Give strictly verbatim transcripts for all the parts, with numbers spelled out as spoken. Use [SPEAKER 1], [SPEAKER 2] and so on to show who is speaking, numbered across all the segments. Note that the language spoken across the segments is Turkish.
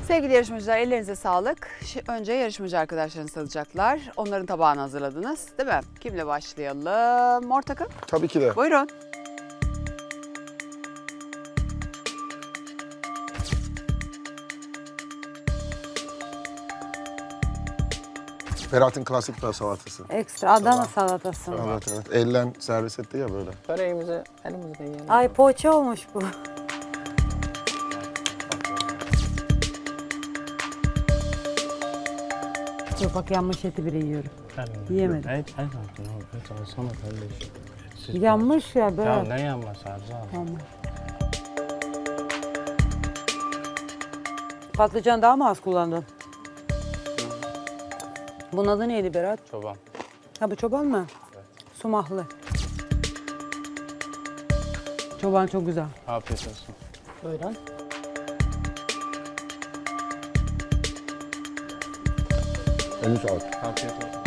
[SPEAKER 1] Sevgili yarışmacılar, ellerinize sağlık. Şi- Önce yarışmacı arkadaşlarınız tadacaklar. Onların tabağını hazırladınız, değil mi? Kimle başlayalım? Mor takım.
[SPEAKER 2] Tabii ki de.
[SPEAKER 1] Buyurun.
[SPEAKER 2] Ferhat'ın klasik bir salatası.
[SPEAKER 3] Ekstra Adana salatası.
[SPEAKER 2] Evet evet. Ellen servis etti ya böyle.
[SPEAKER 4] Böreğimizi elimizle yiyelim.
[SPEAKER 3] Ay poğaça olmuş bu. Dur bak yanmış eti bile yiyorum. Yiyemedim.
[SPEAKER 4] Evet, evet. Evet, alsana kardeşim. Siz
[SPEAKER 3] Yanmış ya
[SPEAKER 4] bak-
[SPEAKER 3] böyle.
[SPEAKER 4] Ya ne yanmaz Erzal?
[SPEAKER 3] Tamam. Patlıcan daha mı az kullandın? Bunun adı neydi Berat?
[SPEAKER 4] Çoban.
[SPEAKER 3] Ha bu çoban mı?
[SPEAKER 4] Evet.
[SPEAKER 3] Sumahlı. Çoban çok güzel.
[SPEAKER 4] Afiyet olsun.
[SPEAKER 3] Buyurun.
[SPEAKER 2] Eline sağlık.
[SPEAKER 4] Afiyet olsun.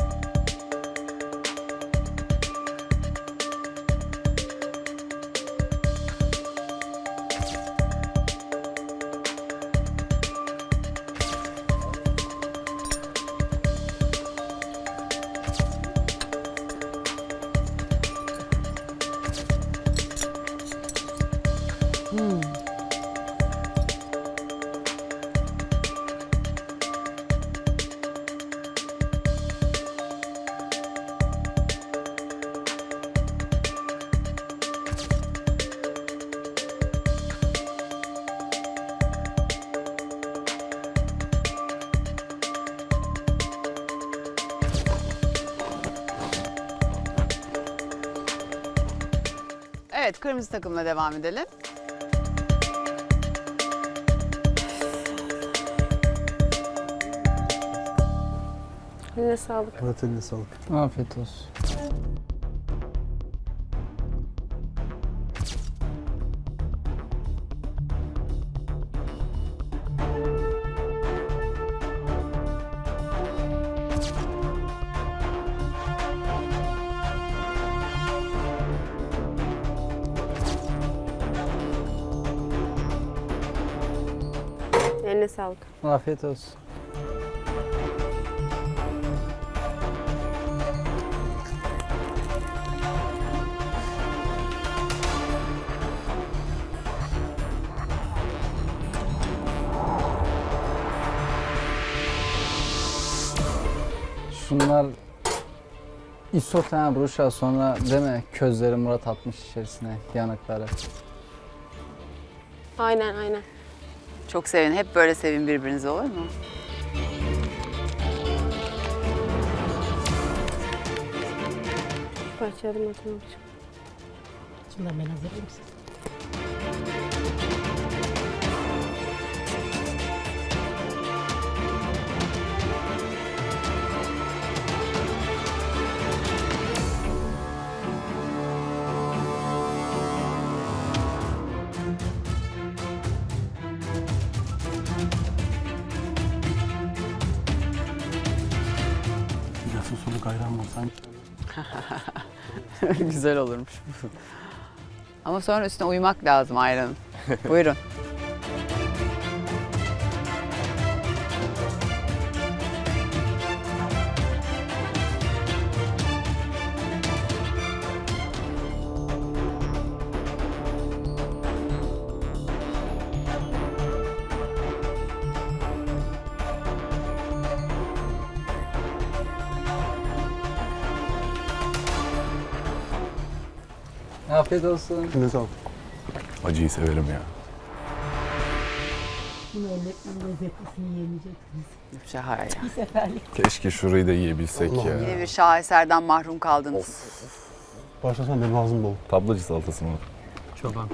[SPEAKER 1] Evet, kırmızı takımla devam edelim.
[SPEAKER 5] Eline sağlık.
[SPEAKER 2] Evet eline sağlık.
[SPEAKER 4] Afiyet olsun.
[SPEAKER 5] Eline sağlık.
[SPEAKER 4] Afiyet olsun. Şunlar isoten bruşa sonra değil mi? Közleri Murat atmış içerisine yanıkları.
[SPEAKER 5] Aynen aynen.
[SPEAKER 1] Çok sevin. Hep böyle sevin birbirinizi, olur mu?
[SPEAKER 5] Parçalarım atmak için.
[SPEAKER 3] Şimdi ben hazırlayayım size.
[SPEAKER 4] Nasıl soluk ayran bulsan.
[SPEAKER 1] Güzel olurmuş. Ama sonra üstüne uyumak lazım ayranın. Buyurun.
[SPEAKER 4] Afiyet olsun.
[SPEAKER 2] Eline sağlık.
[SPEAKER 6] Acıyı severim ya.
[SPEAKER 1] Şahane.
[SPEAKER 6] Keşke şurayı da yiyebilsek ya.
[SPEAKER 1] Yine bir şaheserden mahrum kaldınız.
[SPEAKER 2] Başlasana benim ağzım dolu.
[SPEAKER 6] Tablacı salatası mı?
[SPEAKER 4] Çoban.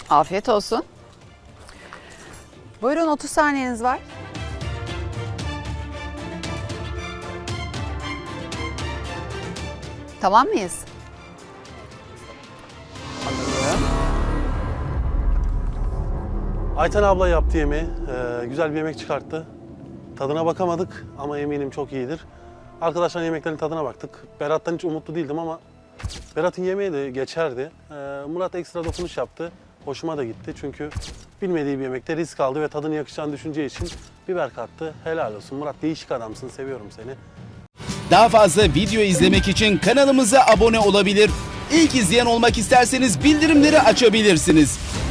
[SPEAKER 1] Afiyet olsun. Buyurun, otuz saniyeniz var. Tamam mıyız? Alıyorum.
[SPEAKER 7] Ayten abla yaptı yemeği. Ee, güzel bir yemek çıkarttı. Tadına bakamadık ama eminim çok iyidir. Arkadaşlar yemeklerin tadına baktık. Berat'tan hiç umutlu değildim ama Berat'ın yemeği de geçerdi. Ee, Murat ekstra dokunuş yaptı. Hoşuma da gitti çünkü bilmediği bir yemekte risk aldı ve tadını yakışacağını düşüneceği için biber kattı. Helal olsun Murat, değişik adamsın, seviyorum seni.
[SPEAKER 8] Daha fazla video izlemek için kanalımıza abone olabilir. İlk izleyen olmak isterseniz bildirimleri açabilirsiniz.